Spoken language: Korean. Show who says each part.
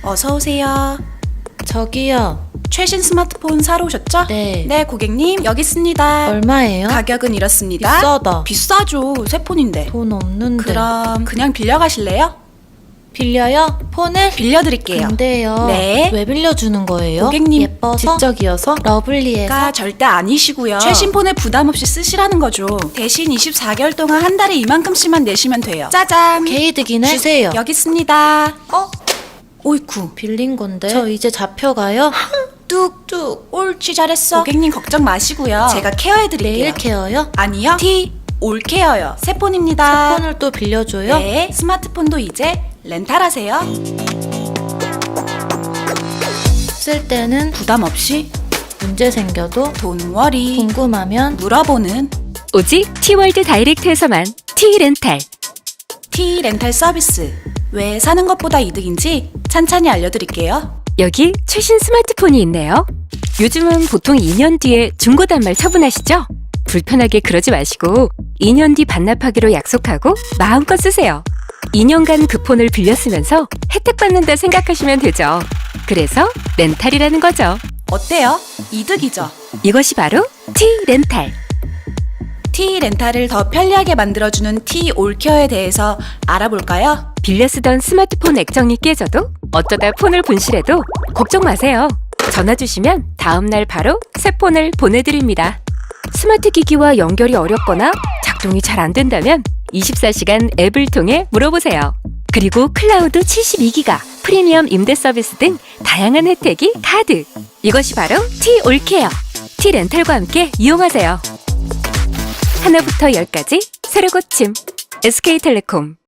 Speaker 1: 어서 오세요.
Speaker 2: 저기요.
Speaker 1: 최신 스마트폰 사러 오셨죠?
Speaker 2: 네.
Speaker 1: 네, 고객님 여기 있습니다.
Speaker 2: 얼마예요?
Speaker 1: 가격은 이렇습니다.
Speaker 2: 비싸다.
Speaker 1: 비싸죠. 새 폰인데.
Speaker 2: 돈 없는데.
Speaker 1: 그럼 그냥 빌려 가실래요?
Speaker 2: 빌려요? 폰을?
Speaker 1: 빌려드릴게요.
Speaker 2: 근데요.
Speaker 1: 네.
Speaker 2: 왜 빌려주는 거예요?
Speaker 1: 고객님,
Speaker 2: 예뻐서? 지적이어서? 러블리해서?
Speaker 1: 가 절대 아니시고요. 최신 폰을 부담 없이 쓰시라는 거죠. 대신 24개월 동안 한 달에 이만큼씩만 내시면 돼요. 짜잔.
Speaker 2: 개이득이네? 주세요.
Speaker 1: 여기 있습니다. 오이쿠.
Speaker 2: 빌린 건데. 저 이제 잡혀가요?
Speaker 1: 뚝뚝. 옳지, 잘했어. 고객님 걱정 마시고요. 제가 케어해드릴게요.
Speaker 2: 매일 케어요?
Speaker 1: 아니요. 올케어요. 새 폰입니다.
Speaker 2: 폰을 또 빌려줘요?
Speaker 1: 네. 스마트폰도 이제 렌탈하세요.
Speaker 2: 쓸 때는
Speaker 1: 부담 없이
Speaker 2: 문제 생겨도
Speaker 1: 돈 워리
Speaker 2: 궁금하면
Speaker 1: 물어보는
Speaker 3: 오직 T월드 다이렉트에서만 T렌탈.
Speaker 1: T렌탈 서비스. 왜 사는 것보다 이득인지 찬찬히 알려드릴게요.
Speaker 3: 여기 최신 스마트폰이 있네요. 요즘은 보통 2년 뒤에 중고 단말 처분하시죠? 불편하게 그러지 마시고 2년 뒤 반납하기로 약속하고 마음껏 쓰세요. 2년간 그 폰을 빌려 쓰면서 혜택 받는다 생각하시면 되죠. 그래서 렌탈이라는 거죠.
Speaker 1: 어때요? 이득이죠?
Speaker 3: 이것이 바로 T렌탈.
Speaker 1: T렌탈을 더 편리하게 만들어주는 T올케어에 대해서 알아볼까요?
Speaker 3: 빌려 쓰던 스마트폰 액정이 깨져도 어쩌다 폰을 분실해도 걱정 마세요. 전화 주시면 다음날 바로 새 폰을 보내드립니다. 스마트 기기와 연결이 어렵거나 작동이 잘 안 된다면 24시간 앱을 통해 물어보세요. 그리고 클라우드 72기가, 프리미엄 임대 서비스 등 다양한 혜택이 가득! 이것이 바로 T올케어, T렌탈과 함께 이용하세요. 하나부터 10까지 새로 고침 SK텔레콤.